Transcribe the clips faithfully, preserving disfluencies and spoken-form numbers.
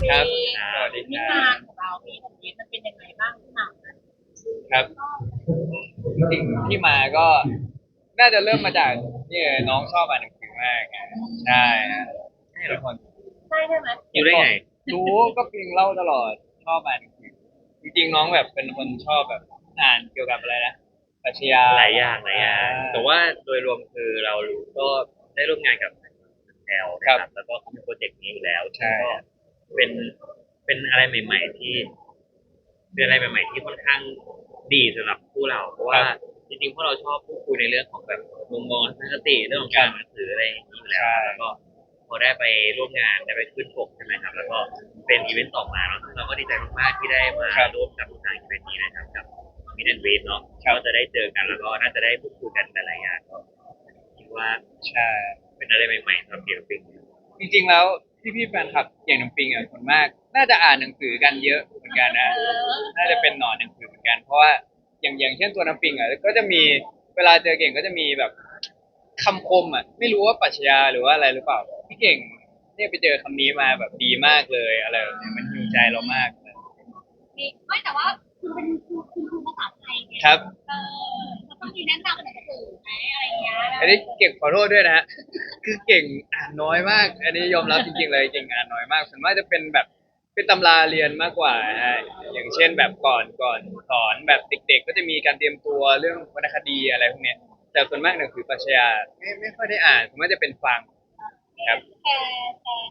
ครับสวัสดีคนิรัทานบของเราพี่ของยินมันเป็นยังไงบ้างที่มาครับจริงๆที่มาก็น่าจะเริ่มมาจากนี่เลยน้องชอบอ่านหนังสือมากอ่ะใช่ฮะใช่เหรอเป็นคนใช่ใช่ไหมอยู่ได้ไงรู้ก็ปิงเล่าตลอดชอบอ่านหนังสือจริงๆน้องแบบเป็นคนชอบแบบอ่านเกี่ยวกับอะไรนะปรัชญาหลายอย่างหลายอ่อย่างแต่าว่าโดยรวมคือเราก็ได้ร่วมงานกับแอลครันะครับบแล้วก็เขามีโปรเจกต์นี้อยู่แล้วซึ่งใช่ก็เป็นเป็นอะไรใหม่ๆที่เป็นอะไรใหม่ๆที่ค่อนข้างดีสำหรับผู้เราเพราะว่าจริงๆพวกเราชอบพูดคุยในเรื่องของแบบมุมมองทัศนคติเรื่องของการอ่านหนังสืออะไรอย่างนี้อยู่แล้วใช่ครับแล้วก็พอได้ไปร่วมงานได้ไปขึ้นปกใช่ไหมครับแล้วก็เป็นอีเวนต์ต่อมาเนาะซึ่งเราก็ดีใจมากๆที่ได้มาครับร่วมกับทางอีเวนต์นี้นะครับกับ มิดแอนด์เวทเนาะครับก็จะได้เจอกันแล้วก็น่าจะได้พูดคุยกันหลายๆอย่างก็คิดว่าใช่เป็นอะไรใหม่ๆสำหรับเกี่ยวกับปิงจริงๆแล้วพี่ๆแฟนคลับอย่างน้องปิงอ่ะคนมากน่าจะอ่านหนังสือกันเยอะเหมือนกันนะเออน่าจะเป็นหนอนหนังสือเหมือนกันเพราะว่าอย่างอย่างเช่นตัวน้ำปิงอ่ะก็จะมีเวลาเจอเก่งก็จะมีแบบคำคมอ่ะไม่รู้ว่าปรัชญาหรือว่าอะไรหรือเปล่าพี่เก่งเนี่ยไปเจอคำนี้มาแบบดีมากเลยอะไรแบบเนี้ยมันฮิวใจเรามากเลยมีไม่แต่ว่าคุณเป็นครูคุณครูภาษาไทยไงครับเออมันต้องมีแนะนำหนังสือไหมอะไรอย่างเงี้ยอันนี้เก่งขอโทษด้วยนะฮะคือเก่งอ่านน้อยมากอันนี้ยอมรับจริงๆเลยเก่งอ่านน้อยมากส่วนมากจะเป็นแบบเป็นตำราเรียนมากกว่าฮะอย่างเช่นแบบก่อนก่อนสอนแบบเด็กๆก็จะมีการเตรียมตัวเรื่องวรรณคดีอะไรพวกเนี้ยแต่ส่วนมากหนังสือปรัชญาไม่ไม่ค่อยได้อ่านส่วนมากจะเป็นฟังครับแชร์แชร์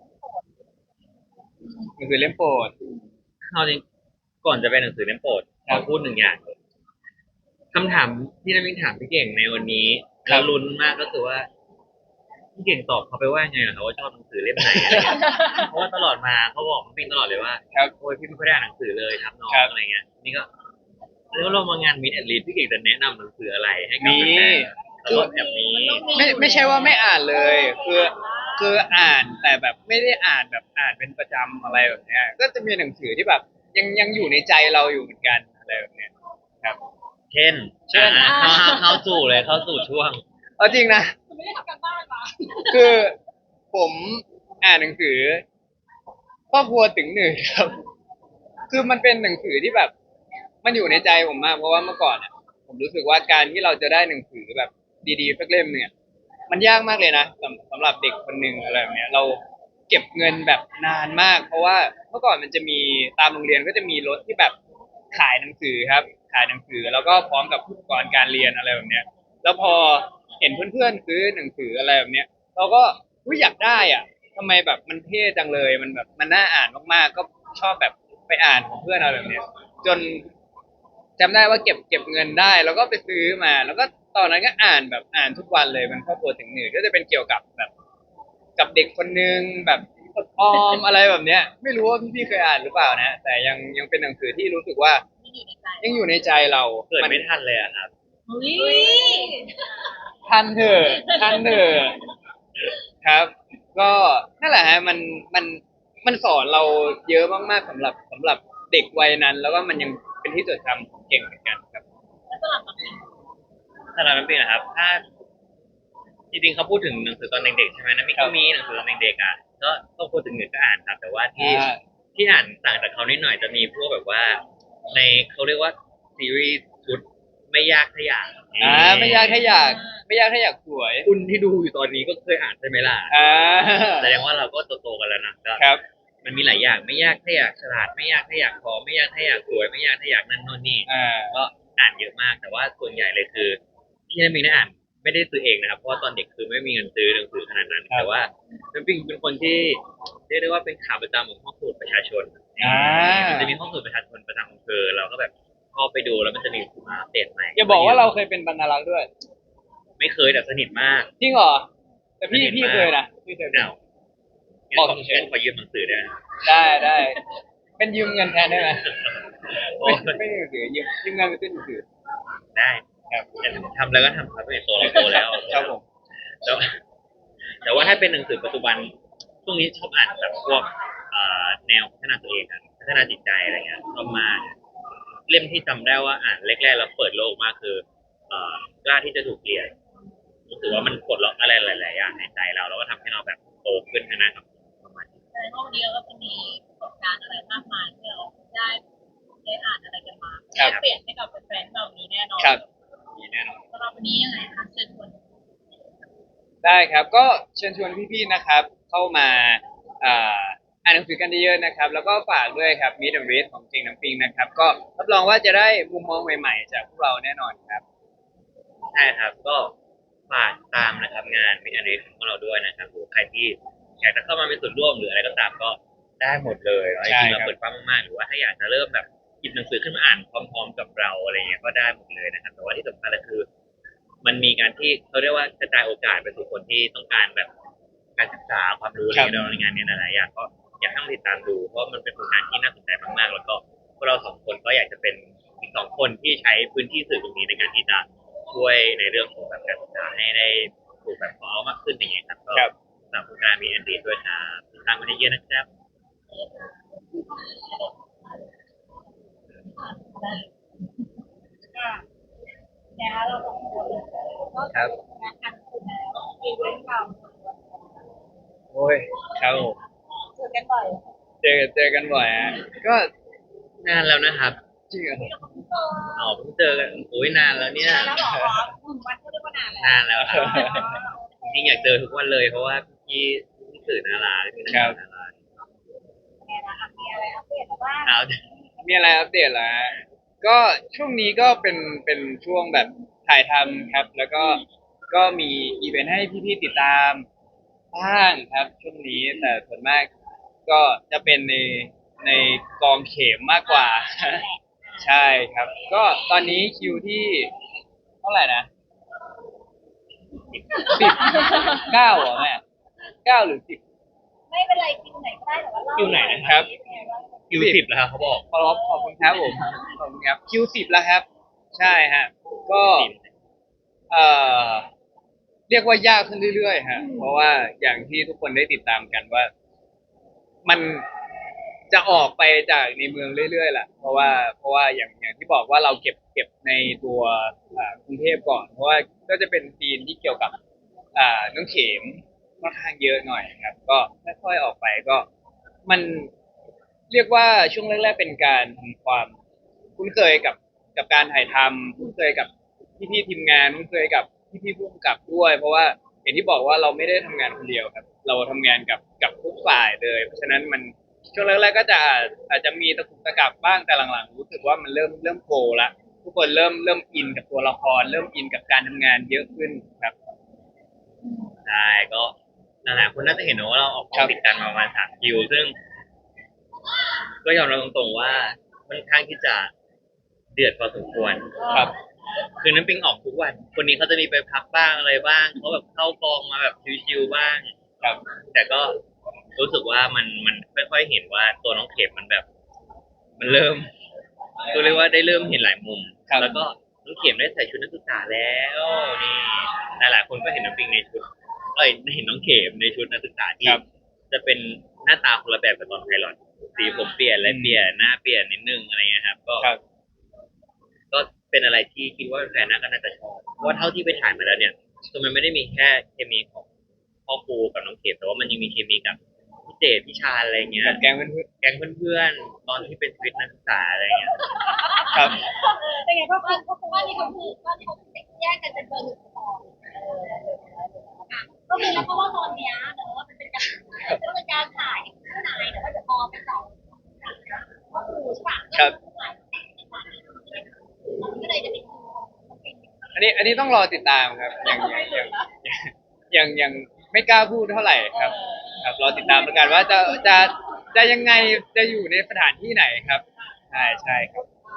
หนังสือเล่มโปรดเอาจริงก่อนจะเป็นหนังสือเล่มโปรดขครับอพูดหนึ่งอย่างคำถามที่นักวินถามพี่เก่งในวันนี้ครับแล้วลุ้นมากก็คือว่าพี่เก่งตอบเขาไปว่าไงเหรอครับว่าชอบหนังสือเล่มไหนอะไรเงี้ยเพราะว่าตลอดมาเขาบอกพี่ปิงตลอดเลยว่าครับโอ้ยพี่ไม่ค่อยได้อ่านหนังสือเลยครับน้อครับงอะไรเงี้ยนี่ก็แล้วเรามางานมิดแอนด์ลีดพี่เก่งจะแนะนำหนังสืออะไรให้กับมีแฟนๆแล้วก็แบบนี้ไม่ไม่ใช่ว่าไม่อ่านเลยคือคืออ่านแต่แบบไม่ได้อ่านแบบอ่านเป็นประจำอะไรแบบเนี้ยก็จะมีหนังสือที่แบบยังยังอยู่ในใจเราอยู่เหมือนกันอะไรแบบเนี้ยครับเช่นเช่นอ่าเข้าเข้าเข้าสู่เลยเข้าสู่ช่วงเอาจริงนะคุณไม่ได้ทำการบ้านมาคือผมอ่านหนังสือครอบครัวถึงหนึ่งครับคือมันเป็นหนังสือที่แบบมันอยู่ในใจผมมากเพราะว่าเมื่อก่อนอ่ะผมรู้สึกว่าการที่เราจะได้หนังสือแบบดีๆสักเล่มเนี่ยมันยากมากเลยนะสำสำหรับเด็กคนหนึ่งอะไรแบบเนี้ยเราเก็บเงินแบบนานมากเพราะว่าเมื่อก่อนมันจะมีตามโรงเรียนก็จะมีรถที่แบบขายหนังสือครับขายหนังสือแล้วก็พร้อมกับอุปกรณ์การเรียนอะไรแบบเนี้ย แล้วพอเห็นเพื่อนๆซื้อหนังสืออะไรแบบเนี้ยเราก็อุ๊ยอยากได้อ่ะทำไมแบบมันเท่จังเลยมันแบบมันน่าอ่านมากๆก็ชอบแบบไปอ่านของเพื่อนอะไรแบบเนี้ยจนจำได้ว่าเก็บเก็บเงินได้แล้วก็ไปซื้อมาแล้วก็ตอนนั้นก็อ่านแบบอ่านทุกวันเลยมันครอบครัวถึงหนึ่งก็จะเป็นเกี่ยวกับแบบกับเด็กคนนึงแบบอดออมอะไรแบบเนี้ยไม่รู้ว่าพี่ๆเคยอ่านหรือเปล่านะแต่ยังยังเป็นหนังสือที่รู้สึกว่าไม่อยู่ในใจยังอยู่ในใจเราเกิดมันไม่ทันเลยอะครับอุ้ยทันเถอะทันเถอะครับ ก็นั่นแหละฮะมันมันมันสอนเราเยอะมากๆสำหรับสำหรับเด็กวัยนั้น แล้วก็มันยังเป็นที่จดจำของเก่งเหมือนกันครับแล้วสลับมาเป็นสำหรับน้ำปิงนะครับถ้าจริงๆเขาพูดถึงหนังสือตอนเด็กๆใช่ไหมน้ำปิงก็มีหนังสือตอนเด็กๆอ่ะก็ต้องพูดถึงหนึ่งก็อ่านครับแต่ว่าที่อ่าที่อ่านต่างจากเขานิดหน่อยจะมีพวกแบบว่าในเขาเรียกว่าซีรีส์ชุดไม่ยากถ้าอยากอ่าไม่ยากถ้าอยากไม่ยากถ้าอยากสวยคุณที่ดูอยู่ตอนนี้ก็เคยอ่านใช่ไหมล่ะอ่าแสดงว่าเราก็โตๆกันแล้วนะก็ครับมันมีหลายอย่างไม่ยากถ้าอยากฉลาดไม่ยากถ้าอยากพอไม่ยากถ้าอยากสวยไม่ยากถ้าอยากนั่นโน่นนี่อ่าก็อ่านเยอะมากแต่ว่าส่วนใหญ่เลยคือที่น้ำมิงได้อ่านไม่ได้ซื้อเองนะครับเพราะว่าตอนเด็กคือไม่มีเงินซื้อหนังสือขนาดนั้นครับแต่ว่าน้ำปิงเป็นคนที่เรียกได้ว่าเป็นขาประจำของห้องสมุดประชาชนอ่ามันจะมีห้องสมุดประชาชนประจำอำเภอเราก็แบบเข้าไปดูแล้วมันจะมีมาอัปเดตใหม่อย่าบอกว่าเราเคยเป็นบรรณารักษ์ด้วยไม่เคยแต่สนิทมากจริงเหรอแต่พี่สนิทมากพี่เคยนะพี่เคยเป็นอ้าวงั้บอกนขอเฉยงั้นขอยืมหนังสือได้ไหมๆได้ได้เป็นยืมเงินแทนได้ไหมโอ้ไม่ไม่หนังสือยืมยืมเงินไปซื้อหนังสือได้ครับแต่ทำแล้วก็ทำครับเป็นโตเราโตแล้วครับผมแต่ว่าแต่ว่าถ้าเป็นหนังสือปัจจุบันช่วงนี้ชอบอ่านแบบพวกเอ่อแนวพัฒนาตัวเองอะพัฒนาจิตใจอะไรเงี้ยชอบมากเล่มที่จำได้ว่าอ่านแรกๆแล้วเปิดโลกมากคือเอ่อกล้าที่จะถูกเปลี่ยนรู้สึกว่ามันปลดล็อกอะไรหลายๆอย่างในใจเราแล้วก็ทำให้เราแบบโตขึ้นนะครับประมาณนี้ว่าวันนี้เราก็จะมีประสบการณ์อะไรมากมายที่เราได้ได้อ่านอะไรกันมาครับได้เปลี่ยนให้กับแฟนๆเรานี้แน่นอนครับมีแน่นอนสำหรับวันนี้ยังไงคะเชิญชวนได้ครับก็เชิญชวนพี่ๆนะครับ เข้ามาอ่าอ่านหนังสือกันเยอะๆนะครับ แล้วก็ฝากด้วยครับ Meet and Read ของจริงน้ำปิงนะครับ ก็รับรองว่าจะได้มุมมองใหม่ๆจากพวกเราแน่นอนครับใช่ครับก็ฝากตามนะครับงานมิอันรีของเราด้วยนะครับหรือใครที่อยากจะเข้ามามีส่วนร่วมหรืออะไรก็ตามก็ได้หมดเลยเนาะจใช่ริงๆครัเราบเปิดกว้างมากๆหรือว่าถ้าอยากจะเริ่มแบบหยิบหนังสือขึ้นมาอ่านพร้อมๆกับเราอะไรเงี้ยก็ได้หมดเลยนะครับแต่ว่าที่สำคัญก็คือ มันมีการที่เขาเรียกว่ากระจายโอกาสไปสู่คนที่ต้องการแบบการศึกษาความรู้อะไรเงี้ยในงานเนี้หลายๆอย่างก็อยากให้ลองติดตามดูเพราะมันเป็นผลงานที่น่าสนใจมากๆ แล้วก็พวกเราสองคนก็อยากจะเป็นอีกสองคนที่ใช้พื้นที่สื่อตรงนี้ในการที่จะช่วยในเรื่องของแบบการศึกษาให้ได้ถูกแบบพอเอามากขึ้นอย่างเงี้ยครับก็ครับสำหรับโครงการมีแอนดี้ด้วยครับติดตามกันเยอะๆนะครับแล้วเราสองคนก็ครับงานกันคุณแล้วอีเวนต์เราโอ้ยครับผมเจอกันบ่อยเจอเจอกันบ่อยฮะก็นานแล้วนะครับจริงเหรออ๋อเพิ่งเจอกันโอ้ยนานแล้วเนี่ยแล้วหรอหนึ่งวันก็เรียกว่านานแล้วนานแล้วครับจริงๆอยากเจอทุกวันเลยเพราะว่าพี่พี่สื่อนาราพี่นักข่าวนาราไงล่ะมีอะไรอัปเดตมาบ้างเอามีอะไรอัปเดตแล้วก็ช่วงนี้ก็เป็นเป็นช่วงแบบถ่ายทำครับ แล้วก็ก็มีอีเวนต์ให้พี่ๆติดตามบ้างครับ ช่วงนี้แต่ส่วนมากก็จะเป็นในในกองเข็มมากกว่า ใช่ครับ ก็ตอนนี้คิวที่เท่าไหร่นะสิบเก้าเหรอแม่เก้าหรือสิบไม่เป็นไรคิวไหนก็ได้แต่ว่าเล่าคิวไหนนะครับ คิวสิบแล้วครับเขาบอกขอบขอบคุณครับผมขอบคุณครับคิวสิบแล้วครับ ใช่ฮะก็ เอ่อเรียกว่ายากขึ้นเรื่อยๆฮะเพราะว่าอย่างที่ทุกคนได้ติดตามกันว่า มันจะออกไปจากในเมืองเรื่อยๆแหละเพราะว่าเพราะว่าอย่างอย่างที่บอกว่าเราเก็บเก็บในตัวอ่ากรุงเทพก่อน เพราะว่าก็จะเป็นซีนที่เกี่ยวกับ อ่าน้องเข็มค่อนข้างเยอะหน่อยครับ ก็ค่อยๆออกไปก็มันเรียกว่าช่วงแรกๆเป็นการทำความคุ้นเคยกับกับการถ่ายทำคุ้นเคยกับพี่ๆทีมงานคุ้นเคยกับพี่ๆผู้กำกับด้วย เพราะว่าอย่างที่บอกว่าเราไม่ได้ทำงานคนเดียวครับ เราทำงานกับกับทุกฝ่ายเลย เพราะฉะนั้นมันช่วงแรกๆก็จะอาจจะมีตะกุกตะกักบ้างแต่หลังๆรู้สึกว่ามันเริ่มเริ่มโฟล์ละทุกคนเริ่มเริ่มอินกับตัวละคร เริ่มอินกับการทำงานเยอะขึ้นครับใช่ก็หลายๆคนน่าจะเห็นนะว่าเราออกกครัองบติดกันมาประมาณสามคิว ซึ่ง ก็ยอมรับตรงๆว่าค่อนข้างที่จะเดือดพอสมควรครับคือน้ำปิงออกทุกวัน คนนี้เขาจะมีไปพักบ้างอะไรบ้างเขาแบบเข้ากองมาแบบชิวๆบ้างครับแต่ก็รู้สึกว่ามันมันค่อยๆเห็นว่าตัวน้องเข็มมันแบบ มันเริ่มก็เรียกว่าได้เริ่มเห็นหลายมุมครับแล้วก็น้องเข็มได้ใส่ชุดนักศึกษาแล้วนี่หลายๆคนก็เห็นน้ำปิงในชุด เอ้ยเห็นน้องเข็มในชุดนักศึกษาที่ครับจะเป็นหน้าตาคนละแบบกับตอนไพลอตสีผมเปลี่ยนอะไรเปลี่ยนหน้าเปลี่ยนนิดนึงอะไรเงี้ยครับ ก็ครับก็เป็นอะไรที่คิดว่าแฟนๆน่าก็น่าจะชอบเพราะว่าเท่าที่ไปถ่ายมาแล้วเนี่ยคือมันไม่ได้มีแค่เคมีของพ่อครูกับน้องเข็มแต่ว่ามันยังมีเคมีกับพี่เจดพี่ชาญอะไรเงี้ยกับแกงเพื่อนแก๊งเพื่อนๆตอนที่เป็นชีวิตนักศึกษาอะไรเงี้ยๆครับเป็นไงพ่อคุณพ่อคุณว่านี่เขาคือว่านี่เขาคือแยกกันเป็นเบอร์หนึ่งสองก็คือแล้วเพราะว่าตอนเนี้ยเนอะมันเป็นการมันเป็นการถ่ายข้างในแต่ว่าจะพอไปสองก็คือใช่ป่ะครับก็เลยจะเป็นอันนี้อันนี้ต้องรอติดตามครับยังยังยังยังยังไม่กล้าพูดเท่าไหร่ครับ ครับรอติดตามแล้วกันว่าจะจะจะยังไงจะอยู่ในสถานที่ไหนครับใช่ใช่ครับ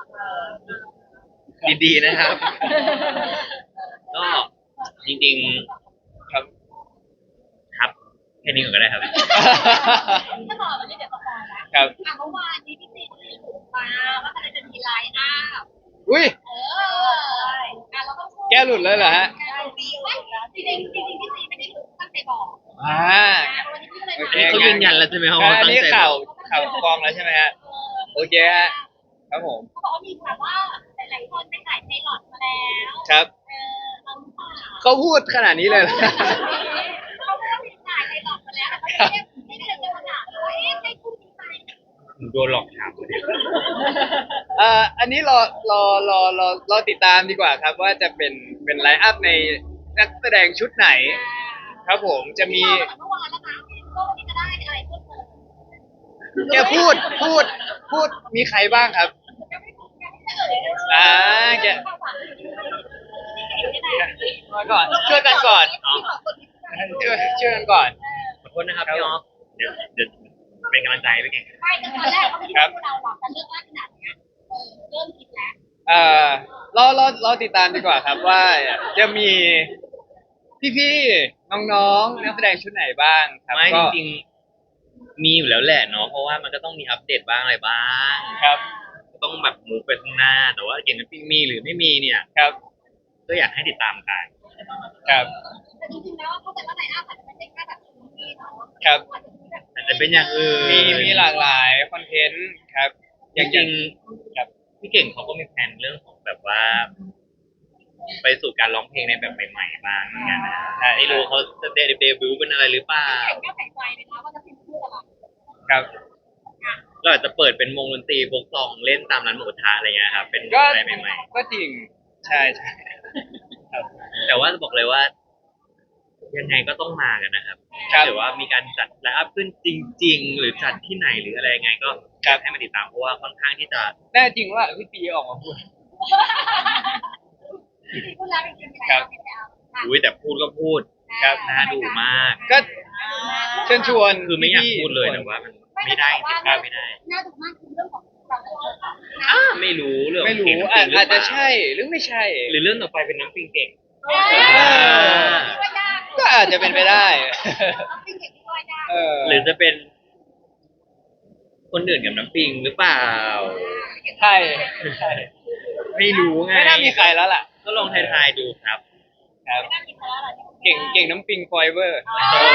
ดีๆนะครับ ก็จริงครับๆครับแค่นี้ก่อนก็ได้ครับถ้าบอกแบบนี้เดี๋ยวสปอยนะครับ อ่ะเมื่อวานนี้พี่ซีรีส์ถูกมาว่าอะไรจะมีไลน์อัพอุ้ยเอออ่ะเราต้องพูดแก้หลุดเลยเหรอฮะแก้หลุดแล้วจริงๆจริงๆพี่ซีไม่ได้ตั้งใจบอกอ่าวันนี้พี่เลยโอมาเคเขายืนยันแล้วใช่ไหมครับอ่าว่าอันตั้งนี้ใจข่าวบอกข่าวกองแล้วใช่ไหมฮะโอเคฮะครับผมเขาบอกว่ามีแบบว่าหลายๆคนไปถ่ายไพลอตมาแล้วครับเออเราหรือเปล่าเขาพูดขนาดนี้เลยเหรอเขาไม่ได้ถ่ายไพลอตมาแล้วแต่เขาไม่ได้ไม่ได้จะมาถามว่าเอ๊ะโดนหลอกถามคนเดียวเอ่ออันนี้รอรอรอรอรอติดตามดีกว่าครับว่าจะเป็นเป็นไลน์อัพในนักแสดงชุดไหน ครับผมจะมีรอตั้งแต่เมื่อวานแล้วนะก็วันนี้จะได้อะไรเพิ่มเติมแกพูดพูดพูดมีใครบ้างครับยังไม่ยังไม่เฉลยเลยอ่าแก มาก่อนช่วยกันก่อนช่วยช่วยกันก่อนขอโทษนะครับพี่ออฟเดี๋ยวเดี๋ยวเป็นกำลังใจไปเก่งไม่แต่ตอนแรกเขาไม่ได้พูดเราหรอกแต่เรื่องว่าขนาดเนี้ยเออเริ่มคิดแล้วเอ่อรอรอรอติดตามดีกว่าครับว่าจะมีพี่ๆน้องๆนักแสดงชุดไหนบ้างครับไม่จก็ริงๆมีอยู่แล้วแหละเนาะเพราะว่ามันก็ต้องมีอัปเดตบ้างอะไรบ้างครับก็ต้องแบบมูฟไปข้างหน้า แต่ว่าเก่งกับปิ้งมีหรือไม่มีเนี่ยครับก็อยากให้ติดตามกันครับแต่จริงๆแล้วเข้าใจว่าไลน์อัพอาจจะไม่ใช่แค่แบบนี้เนาะครับอาจจะมีแบบอาจจะเป็นอย่างอื่นมีมีหลากหลายคอนเทนต์ครับอจย่างอริย่างงๆครับพี่เก่งเขาก็มีแผนเรื่องของแบบว่า ไปสู่การร้องเพลงในแบบใหม่ๆบ้างเหมือนกันนะใช่ไม่รู้เขาจะเดบิวต์เป็นอะไรหรือเปล่าแข่งก็ใส่ใจเลยนะว่าจะเป็นพูดอะไรครับเราอาจจะเปิดเป็นวงดนตรีวงซองเล่นตามร้านหมูกระทะอะไรเงี้ยครับเป็นก็อะไรใหม่ก็จริงใช่ใช่ครับๆแต่ว่าจะบอกเลยว่า ยังไงก็ต้องมากันนะครับครับหรือว่ามีการจัดไลฟ์อัพขึ้นจริง ๆ หรือจัดที่ไหนหรืออะไรยังไงก็อยากให้มาติดตามเพราะว่าค่อนข้างที่จะแน่จริงว่าพี่ปีออกมาพูดที่พูดแล้วจริงๆครัแล้วบเป็นแล้วอุ้ยแต่พูดก็พูดครับน่าดูมากก็เชิญชวนคือไม่อยากพี่ๆพูดเลยทุกคนแต่ว่ามันไม่ได้ติดตามไม่ได้น่าดูมากคือเรื่องของเราสองคนนะอ่าไม่รู้เรื่องไม่รู้เพลงน้ำอาปิงหรือาจเปจะล่ใช่หรือไม่ใช่หรือเรื่องต่อไปเป็นน้ำปิงเก่งเออว่ายากก็อาจจะเป็นไปได้เอาจริงเห็นว่ายากเออหรือจะเป็น คนอื่นกับน้ำปิงหรือเปล่าใช่ใช่ไม่รู้ไงไม่น่ามีใครแล้วล่ะก็ลองทายๆดูครับครับไม่น่ามีใครแล้วหรอเก่งเก่งน้ำปิงฟอยเวอร์โอ้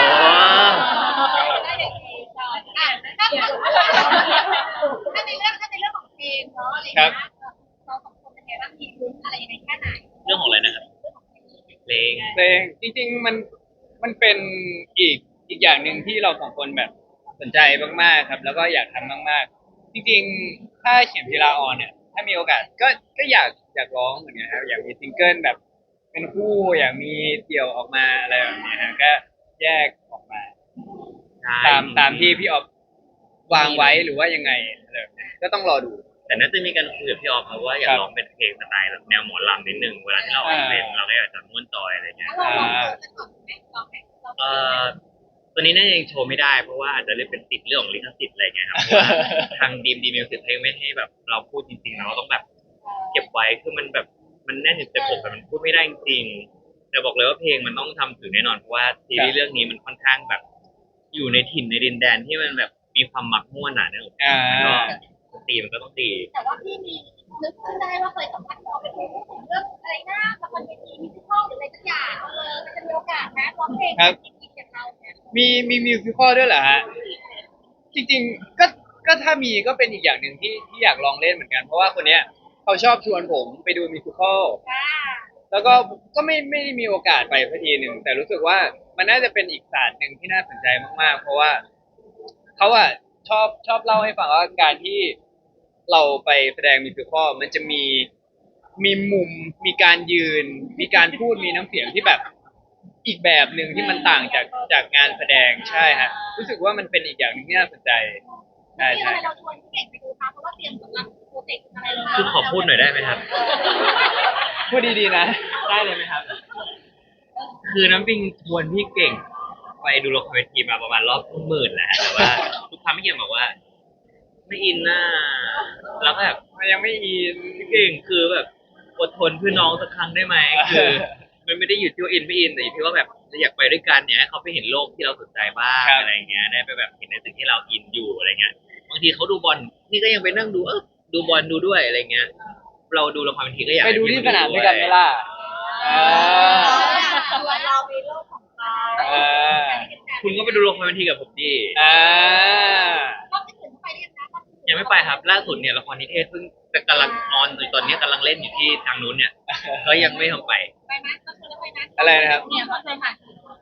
ได้เด็กดีอ่ะถ้าถ้าในเรื่องถ้าในเรื่องของเพลงเนาะอะไรอย่างเงี้ยเราสองคนเป็นไงบ้างมีลุ้นอะไรยังไงแค่ไหนเรื่องของอะไรนะครับเพลงเพลงจริงๆมันมันเป็นอีกอีกอย่างหนึ่งที่เราสองคนแบบสนใจมากๆครับ แล้วก็อยากทำมากๆ จริงๆ ถ้าเขียนพีลาออนเนี่ย ถ้ามีโอกาสก็ก็อยากอยากร้องเหมือนกันครับอยากมีซิงเกิลแบบ เป็นคู่อยากมีเดี่ยวออกมาอะไรแบบเนี้ยฮะก็แยกออกมาใช่ตามตามที่พี่ออฟวางไว้หรือว่ายังไงอะไรแบบเนี้ยก็ต้องรอดูแต่น่าจะมีการคุยกับพี่ออฟเพราะว่าอยากร้องเป็นเพลงสไตล์แบบแนวหมอลำนิดนึงเวลาที่เราออกเพลงเราก็อยากจะม้วนจอยอะไรเงี้ยเราลองดูกันก่อนไหมลองไหมลองเอ่อตัวนี้น่าจะยังโชว์ไม่ได้เพราะว่าอาจจะเรียกเป็นติดเรื่องของลิขสิทธิ์อะไรเงี้ยครับเพราะว่าทางดีมดีมิวสิกเพลงไม่ให้แบบเราพูดจริงๆเราต้องแบบเก็บไว้คือมันแบบมันแน่นอยู่ในอกแต่มันพูดไม่ได้จริงๆแต่บอกเลยว่าเพลงมันต้องทำถึงแน่นอนเพราะว่าซีรีส์เรื่องนี้มันค่อนข้างแบบ อยู่ในถิ่นในดินแดนที่มันแบบมีความหมักม่วนหนาเนื้ออ่าก็ตีมันก็ต้องตีแต่ว่าพี่มีนึกขึ้นได้ว่าเคยสัมภาษณ์เราไปพูดถึงเรื่องอะไรนะละครเวทีมิวสิคอลหรืออะไรสักอย่างเออมันจะมีโอกาสนะร้องเพลงจริงๆกับเราเนี่ยมีมีมิวสิคอลด้วยเหรอฮะ จริงๆก็ก็ถ้ามีก็เป็นอีกอย่างหนึ่งที่ที่อยากลองเล่นเหมือนกัน เพราะว่าคนเนี้ยเขาชอบชวนผมไปดูมิวสิคอลว่าแล้วก็ก็ไม่ไม่ได้มีโอกาสไปสักทีหนึ่งแต่รู้สึกว่ามันน่าจะเป็นอีกศาสตร์หนึ่งที่น่าสนใจมากๆ เพราะว่าเขาอะชอบชอบเล่าให้ฟังว่าการที่เราไปแสดงมิวสิคอลมันจะมีมีมุมมีการยืน มีการพูดมีน้ำเสียงที่แบบอีกแบบหนึ่งที่มันต่างจากจากงานแสดงใช่ฮะรู้สึกว่ามันเป็นอีกอย่างหนึ่งที่น่าสนใจใช่ที่ใช่ทำไมเราชวนพี่เก่งไปดูคะเพราะว่าเตรียมสำหรับโปรเจกต์อะไรเลยคือขอพูดหน่อยได้ไหมครับพูดดีๆนะได้เลยไหมครับ คือน้ำปิงชวนพี่เก่งไปดูละครเวทีมาประมาณรอบหมื่นแหละแต่ว่าทุกครั้งพี่เก่งบอกว่า ไม่อินน่าแล้วก็แบบมันยังไม่อินพี่เก่งคือแบบอดทนเพื่อน้องสักครั้งได้ไหมคือ มันไม่ได้อยู่ที่ว่าอินไม่อินแต่อยู่ที่ว่าแบบเราอยากไปด้วยกันเนี่ยให้เขาไปเห็นโลกที่เราสนใจบ้างอะไรเงี้ยได้ไปแบบเห็นในสิ่งที่เราอินอยู่อะไรเงี้ยบางทีเขาดูบอลนี่ก็ยังไปนั่งดูเออดูบอลดูด้วยอะไรเงี้ย เราดูละครบางทีก็อยากไปดูที่สนามด้วยกันไหมล่ะ อ่าเรามีโลกของเราอ่าคุณก็ไปดูละครบางทีกับผมดีอ่ารอบที่ถึงไปเรียนนะยังไม่ไปครับล่าสุดเนี่ยละครนิเทศเพิ่งกำลังออนอยู่ตอนนี้กำลังเล่นอยู่ที่ทางนู้นเนี่ยก็ยังไม่ทำไปไปไหมก็คือไปนะอะไรนะครับเนี่ยเขาเคยผ่าน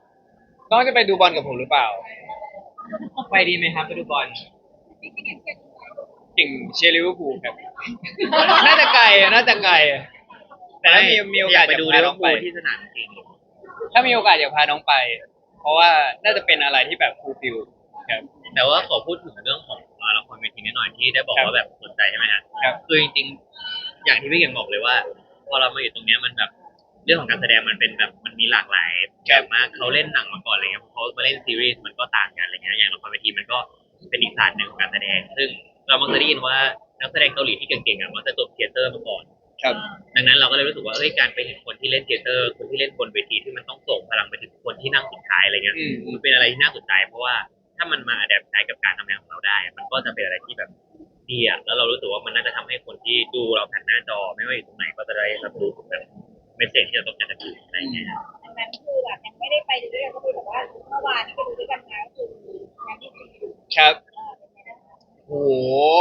น้องจะไปดูบอลกับผมหรือเปล่าไปดีไหมครับไปดูบอลพี่เก่งเก่งเก่งเชียร์ลิเวอร์พูลครับ น่าจะไกลอะน่าจะไกลอะแต่ถ้ามีมีโอกาสไปจะดูพาลิเวน้อองร์พูไปลที่สนามจริงถ้ามีโอกาสอยากพาน้องไป เพราะว่าน่าจะเป็นอะไรที่แบบฟูลฟิลครับแต่ว่าขอพูดถึงเรื่องของอ่าละครเวทีนิดหน่อยที่ได้บอกครับว่าแบบสนใจใช่ไหมฮะครับคือจริงๆอย่างที่พี่เก่งบอกเลยว่า พอเรามาอยู่ตรงเนี้ยมันแบบเรื่องของการแสดงมันเป็นแบบมันมีหลากหลายแบบมากเขาเล่นหนังมาก่อนอะไรเงี้ยเขามาเล่นซีรีส์มันก็ต่างกันอะไรเงี้ยอย่างละครเวทีมันก็เป็นอีกศาสตร์หนึ่งของการแสดง ซึ่งเรามักจะได้ยินว่านักแสดงเกาหลีที่เก่งๆอ่ะมักจะจบเทยเตอร์มาก่อนครับดังนั้นเราก็เลยรู้สึกว่าเอ้ยการไปเห็นคนที่เล่นเทยเตอร์ คนที่เล่นบนเวทีที่มันต้องส่งพลังไปถึงคนที่นั่งสุดท้ายอะไรเงี้ยอืมมันเป็นอะไรที่น่าสนใจเพราะว่าถ้ามันมาอัดแอปใช้กับการทำงานของเราได้ มันก็จะเป็นอะไรที่แบบดีอ่ะแล้วเรารู้สึกว่ามันน่าจะทำให้คนที่ดูเราผ่านหน้าจอไม่ว่าอยู่ตรงไหนก็จะได้รับรู้ถึงแบบเมสเซจที่เราต้องการจะสื่ออะไรอย่างเงี้ยดังนั้นคือแบบยังไม่ได้ไปดูด้วยกันก็คือแบบว่าเมื่อวานที่ไปดูด้วยกันมาก็คืองานที่สี่ครับเออเป็นไงนะคะโอ้โห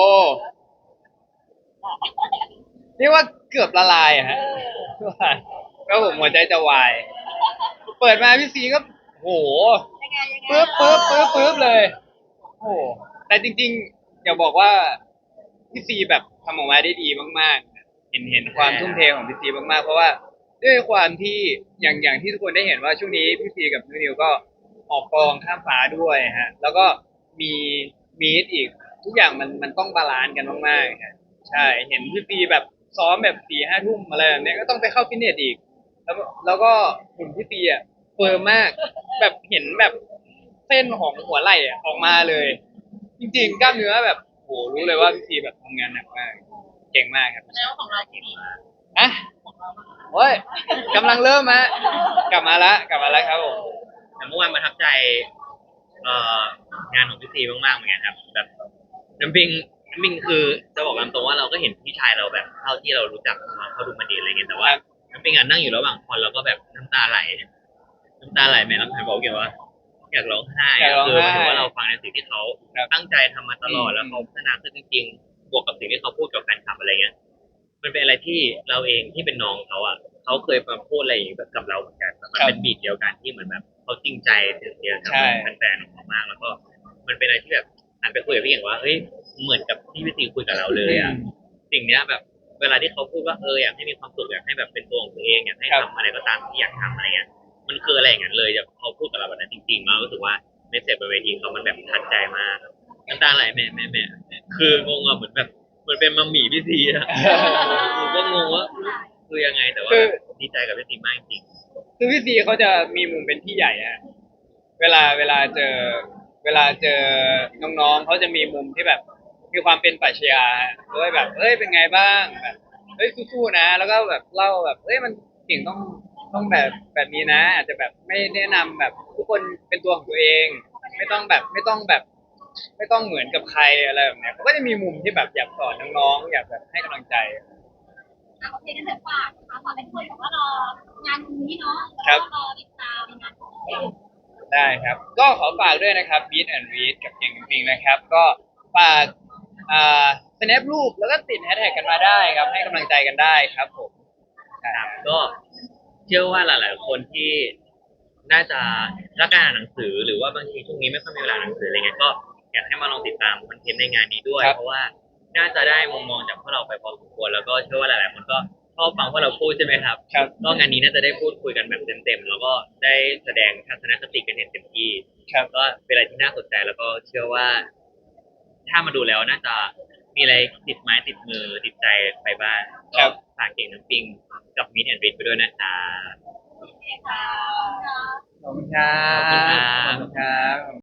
เรียกว่าเกือบละลายอะเอฮะอก็ผมหัวใจจะวาย เปิดมาพี่ซีก็โหยังไงยังไงปึ๊บปึ๊บปึ๊บปึ๊บเลย โอ้โหแต่จริงๆอย่าบอกว่าพี่ซีแบบทำออกมาได้ดีมากๆ เห็นเห็นความทุ่มเทของพี่ซีมากๆ เพราะว่าด้วยความที่อย่างอย่างที่ทุกคนได้เห็นว่าช่วงนี้พี่ซีกับนิวก็ออกกองข้ามฟ้าด้วยฮะ แล้วก็มีมีดอีกทุกอย่างมันมันต้องบาลานซ์กันมากๆฮะใช่เห็นพี่ซีแบบซ้อมแบบสี่ห้าทุ่มอะไรแบบเนี้ยก็ต้องไปเข้าฟิตเนสอีก แล้วแล้วก็หุ่นพี่ซีอ่ะเฟิร์มมาก แบบเห็นแบบเส้นของหัวไหล่อะออกมาเลย จริงๆกล้ามเนื้อแบบโหรู้เลยว่าพี่ซีแบบทำงานหนักมาก เก่งมากครับแล้วของเราดีอ่ะโอ้ยกำลังเริ่มมากลับมาละกลับมาแล้วครับผมแต่เมื่อวานประทับใจเอ่องานของพี่ซีมากๆเหมือนกันครับแบบน้ำปิงน้ำปิงคือจะบอกตามตรงว่าเราก็เห็นพี่ชายเราแบบเท่าที่เรารู้จักมาเขาดูมาดีอะไรเงี้ยแต่ว่าน้ำปิงอ่ะนั่งอยู่ระหว่างคอนเราก็แบบน้ำตาไหลน้ำตาไหลแม่น้ำตาบอกเกี่ยวว่าอยากร้องไห้อยากร้องคือหไห้มายถึงว่าเราฟังในสิ่งที่เขาครับตั้งใจทำมาตลอดอืมแล้วเขาพัฒนาขึ้นจริงๆบวกกับสิ่งที่เขาพูดกับแฟนคลับอะไรเงี้ย มันเป็นอะไรที่เราเองที่เป็นน้องเขาอ่ะเขาเคยมาพูดอะไรอย่างนี้กับเราเหมือนกันมันเป็นบีทเดียวกันที่เหมือนแบบเขาจริงใจถึงเดียวกับใช่แฟนๆของเขามากแล้วก็มันเป็นอะไรที่แบบหันไปคุยกับพี่เก่งว่าเฮ้ยเหมือนกับที่พี่ตีคุยกับเราเลยอ่ะสิ่งเนี้ยแบบเวลาที่เขาพูดว่าเอออยากให้มีความสุขอยากให้แบบเป็นตัวของตัวเองอยากให้ทำอะไรก็ตามที่อยากทำอะไรเงี้ยมันคืออะไรอย่างนั้นเลยแบบเขาพูดกับเราแบบนั้นจริงๆแล้วรู้สึกว่าเมสเซจบนเวทีเขามันแบบทัดใจมากน้ำตาไหลแม่แม่แม่คืองงอะเหมือนแบบเหมือนเป็นมัมหมี่พี่ซีอะ ผมก็งงว่าคือยังไงแต่ว่าคือดีใจกับพี่ซีมากจริงคือพี่ซีเขาจะมีมุมเป็นพี่ใหญ่ฮะเวลาเวลาเจอ เวลาเจอน้องๆเขาจะมีมุมที่แบบ มีความเป็นปรัชญาเอ้ยแบบเอ้ยเป็นไงบ้างแบบเฮ้ยสู้ๆนะ แล้วก็แบบเล่าแบบเอ้ยมันเก่งต้องต้องแบบแบบนี้นะ อาจจะแบบไม่แนะนำแบบทุกคนเป็นตัวของตัวเอง ไม่ต้องแบบไม่ต้องแบบ ไม่ต้องเหมือนกับใครอะไรแบบเนี้ยเขาก็จะมีมุมที่แบบอยากสอนน้องๆอยากแบบให้กำลังใจอ่ะโอเคกันเถอะฝากนะคะฝากให้ทุกคนแบบว่ารองานนี้เนาะครัแล้วบก็รอติดตามงานของเด็กได้ครับ ก็ขอฝากด้วยนะครับ Meet and Read กับเก่งจริงๆนะครับ ก็ฝากอ่า snap รูปแล้วก็ติดแฮชแท็กกันมาได้ครับ ให้กำลังใจกันได้ครับผมใช่ๆครับก็เชื่อว่าหลาย ๆ คนที่น่าจะรักการอ่านหนังสือหรือว่าบางทีช่วงนี้ไม่ค่อยมีเวลาอ่านหนังสืออะไรเงี้ยก็อยากให้มาลองติดตามคอนเทนต์ในงานนี้ด้วยครับเพราะว่าน่าจะได้มุมมองจากพวกเราไปพอสมควรแล้วก็เชื่อว่าหลาย ๆ คนก็ชอบฟังพวกเราพูดใช่ไหมครับครับก็งานนี้น่าจะได้พูดคุยกันแบบเต็มๆแล้วก็ได้แสดงทัศนคติกันอย่างเต็มที่ครับก็เป็นอะไรที่น่าสนใจแล้วก็เชื่อว่า ถ้ามาดูแล้วน่าจะมีอะไรติดไม้ติดมือติดใจไปบ้างครัก็บฝากเก่งน้ำปิงกับมิดแอนด์ริดไปด้วยนะคะโอเคค่ะขอบคุณครัขอบคุณบ